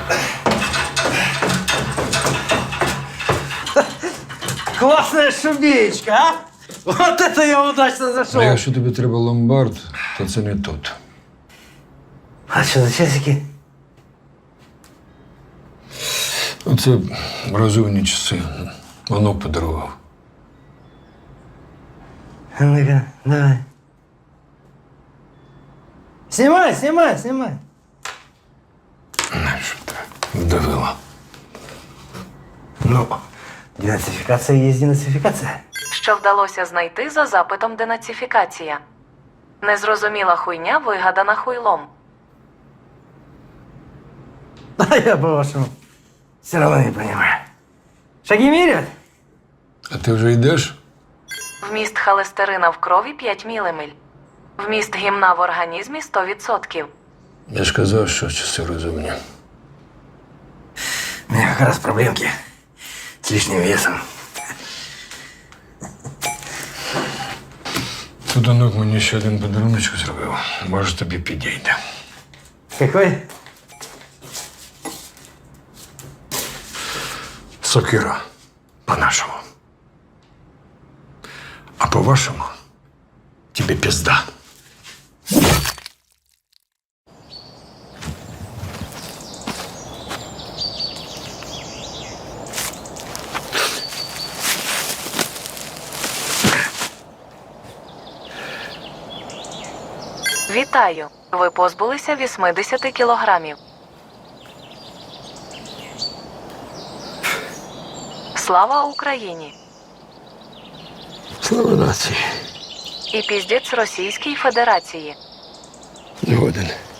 Классная шубеечка, а? Вот это я удачно зашел. А якщо тобі треба ломбард, то це не тут. А что за часики? Оце розумні часи. Онук подарував. А ну-ка, давай. Снимай, снимай, снимай. Щоб ти вдавила. Ну, денацификация есть денацификация. Що вдалося знайти за запитом денацифікація. Незрозуміла хуйня, вигадана хуйлом. А я по-вашему все равно не понимаю. Шаги меряют? А ти вже йдеш? Вміст холестерина в крові 5 мілімель. Вміст гімна в організмі 100%. Я ж казав, що часи розумні. У меня как раз проблемки с лишним весом. Тут онук мені ще один подаруночок зробив. Може, тобі підійде. Какой? Сокира. По-нашому. А по-вашему, тебе пизда. Вітаю! Ви позбулися 80 кілограмів. Слава Україні! Слава нації. І піздець Російській Федерації. Згоден.